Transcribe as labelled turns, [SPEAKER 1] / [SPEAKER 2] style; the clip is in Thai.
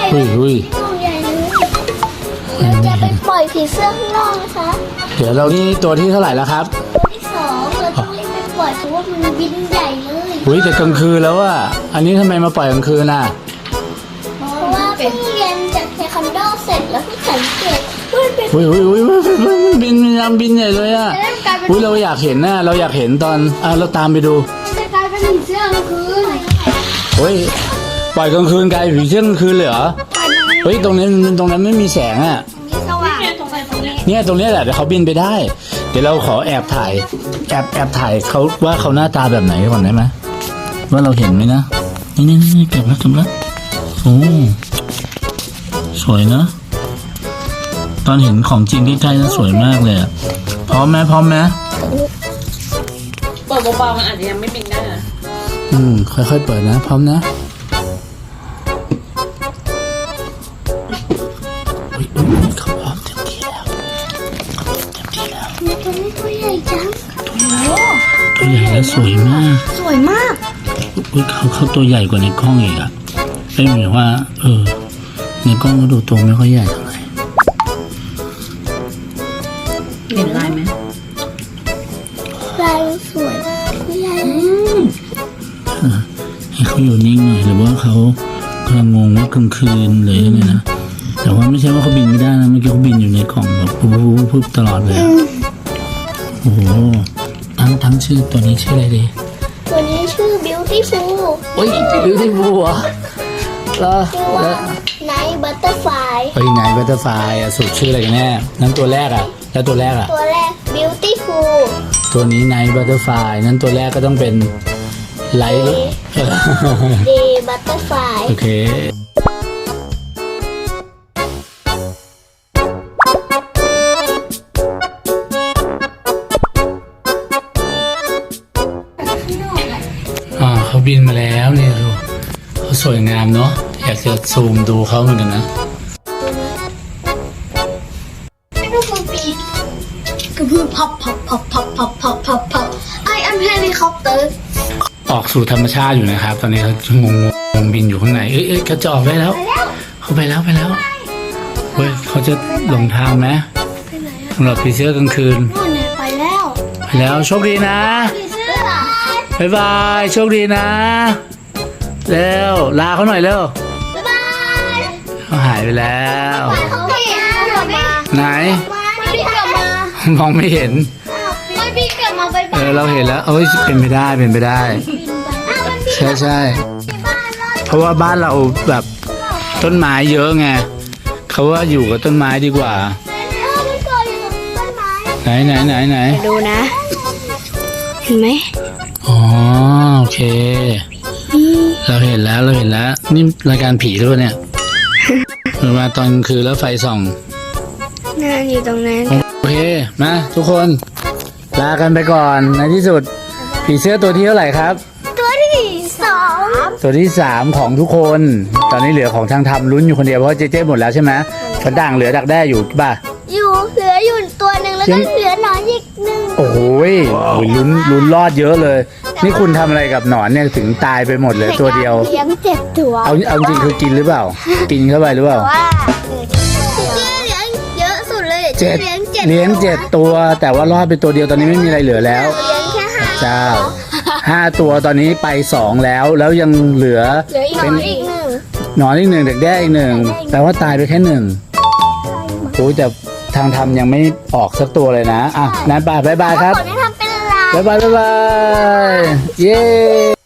[SPEAKER 1] อุ้ย
[SPEAKER 2] ตัวใหญ่เลยเราจะไปปล่อยผีเสื้อข้างนอกนะคะ
[SPEAKER 1] เดี๋ยวเรานี่ตัวที่เท่าไหร่แล้วครับ
[SPEAKER 2] ตัวที่2เราต้องรีบไปปล่อยเพราะว่ามันบินใหญ่เลย
[SPEAKER 1] อุ้ยแต่กลางคืนแล้วอะอันนี้ทำไมมาปล่อยกลางคืนน่ะ
[SPEAKER 2] เพราะว่าเพิ่งเรียนจากเทควันโดเสร็จแล้วเพิ่งสังเกตมันเป็น
[SPEAKER 1] อุ้ยมันบินพยายามบินใหญ่เลยอะ
[SPEAKER 2] จะกลายเป็น
[SPEAKER 1] อุ้ยเราอยากเห็นนะเราอยากเห็นตอนเราตามไปดู
[SPEAKER 2] จะกลายเป็นผีเสื้อกลางคืน
[SPEAKER 1] เฮ้ยปล่อยกลางคืนกลายเป็นผีเสื้อกลางคืนเลยเหรอเฮ้ยตรงนั้นไม่มีแสงอะ
[SPEAKER 2] มีสว่าง
[SPEAKER 1] เนี่ยตรงเนี้ยแหละเดี๋ยวเขาบินไปได้ เดี๋ยวเราขอแอบถ่ายเขาว่าเขาหน้าตาแบบไหนก่อนได้ไหมว่าเราเห็นไหมนะนี่เก็บแล้วโอ้สวยนะตอนเห็นของจริงใกล้ๆนะสวยมากเลยอะพร้อมไหม
[SPEAKER 3] เปิดเบาๆมันอาจจะยังไม่บินได้นะ
[SPEAKER 1] ค่อยๆเปิดนะพร้อมนะอุ๊ยเขาพร้อมเต็มที่แล้ว
[SPEAKER 2] ตัวนี้ตัวใหญ่จัง
[SPEAKER 1] ตัวใหญ่และสวยมาก
[SPEAKER 2] สวยมาก
[SPEAKER 1] อุ๊ยเขาตัวใหญ่กว่าในกล้องอีกอะเป็นหมายว่าในกล้องก็ดูตัวไม่ค่อยใหญ่เท่าไหร่
[SPEAKER 3] เห็นลายไหม
[SPEAKER 2] ลายสวยตัวใหญ่
[SPEAKER 1] ให้เขาอยู่นิ่งหน่อยหรือว่าเขากำลังงงว่ากลางคืนหรือยังไงนะแต่ว่าไม่ใช่ว่าเขาบินไม่ได้นะเมื่อกี้เขาบินอยู่ในกล่องแบบปุ๊บตลอดเลยโอ้โหทั้งชื่อตัวนี้ชื่ออะไรดี
[SPEAKER 2] ตัวนี้ชื่อ Beautiful
[SPEAKER 1] โอ้ยบิวตี้ฟูลเหรอแล้ว
[SPEAKER 2] ชื่อว่า Night Butterfly
[SPEAKER 1] ไงบัตเตอร์ไฟสุดชื่ออะไรกันแน่นั้นตัวแรกอะแล้วตัวแรกอะ
[SPEAKER 2] ตัวแรก Beautiful
[SPEAKER 1] ตัวนี้ไนท์บัตเตอร์ไฟนั้นตัวแรกก็ต้องเป็นไลท์
[SPEAKER 2] Day Butterfly
[SPEAKER 1] โอเคเขาบินมาแล้วเนี่ยดูเขาสวยงามเนาะอยากจะซูมดูเขาเหมือนกันนะ
[SPEAKER 2] Beautiful beak กระพือพับ I am helicopter
[SPEAKER 1] ออกสู่ธรรมชาติอยู่นะครับ ตอนนี้เขางงบินอยู่ข้างในเอ้ยเขาจะออกได้แล้ว เขาไปแล้วเฮ้ยเขาจะหลงทางไหม
[SPEAKER 2] ไปไหนอะ
[SPEAKER 1] สำหรับผีเสื้อกลางคืน
[SPEAKER 2] นู่นเนี่ยไปแล้ว
[SPEAKER 1] ไปแล้วโชคดีนะ
[SPEAKER 2] ผีเสื้อ
[SPEAKER 1] บ๊ายบายโชคดีนะเร็วลาเขาหน่อยเร็ว
[SPEAKER 2] บ๊ายบาย
[SPEAKER 1] เขาหายไปแล้ว
[SPEAKER 2] เขาไม่เห็นกลับมา
[SPEAKER 1] ไหน
[SPEAKER 2] ไม่พี่กลับมาม
[SPEAKER 1] องไม่เห็น
[SPEAKER 2] ไม่พี่กลับมาไปบ้าน
[SPEAKER 1] เราเห็นแล้วเอ้ยเป็นไปได้
[SPEAKER 2] มันพี่
[SPEAKER 1] ใช่
[SPEAKER 2] บ้านรอด
[SPEAKER 1] เพราะว่าบ้านเราแบบต้นไม้เยอะไงเขาว่าอยู่กับต้นไม้ดีกว่า
[SPEAKER 2] มันเกิดอยู่กับต้นไม้
[SPEAKER 1] ไหน
[SPEAKER 2] ดูนะ เห็นไหม
[SPEAKER 1] อ๋อโอเค เราเห็นแล้วนี่รายการผีหรือเปล่าเนี่ยมาตอนกลางคืนแล้วไฟส่อง
[SPEAKER 2] นั่นอยู่ตรงนั้น
[SPEAKER 1] โอเคมาทุกคนลากันไปก่อนในที่สุดผีเสื้อตัวที่เท่าไหร่ครับ
[SPEAKER 2] ตัวที่สอง
[SPEAKER 1] ตัวที่3ของทุกคน ตอนนี้เหลือของทางทำลุ้นอยู่คนเดียวเพราะเจ๊หมดแล้วใช่ไหมกระด่างเหลือดักแด้อยู่ป่ะ
[SPEAKER 2] อยู่เหลืออยู่ตัวหนึ่งแล้วก็เหลือหนอนอีกหนึ่ง
[SPEAKER 1] โอ้โหลุ้นรอดเยอะเลย นี่คุณทำอะไรกับหนอนเนี่ยถึงตายไปหมดเลยตัวเดียว
[SPEAKER 2] เลี้ยง7 ตัว
[SPEAKER 1] เอาจริงคือกินหรือเปล่า กินเข้าไปหรือเปล่า
[SPEAKER 2] ว่าเจ๊เลี้ยงเยอะสุดเลย
[SPEAKER 1] เจ็ด
[SPEAKER 2] เลี้ยง
[SPEAKER 1] 7 ตัว แต่ว่ารอดไปตัวเดียวตอนนี้ไม่มีอะไรเหลือแล้ว
[SPEAKER 2] เลี้ยงแค่ห้า
[SPEAKER 1] เจ้า5 ตัวตอนนี้ไป2แล้วยังเหลือ
[SPEAKER 2] เหลืออีก
[SPEAKER 1] เป็น
[SPEAKER 2] อีกหนึ่ง
[SPEAKER 1] หนอนอีก1เด็กแด้อีก1แปลว่าตายไปแค่1โอ้แต่ทางทำยังไม่ออกสักตัวเลยนะอ่ะนั้นบ๊ายบายครับ
[SPEAKER 2] คนที่ทำเป็นลาย
[SPEAKER 1] บ๊ายบายเย้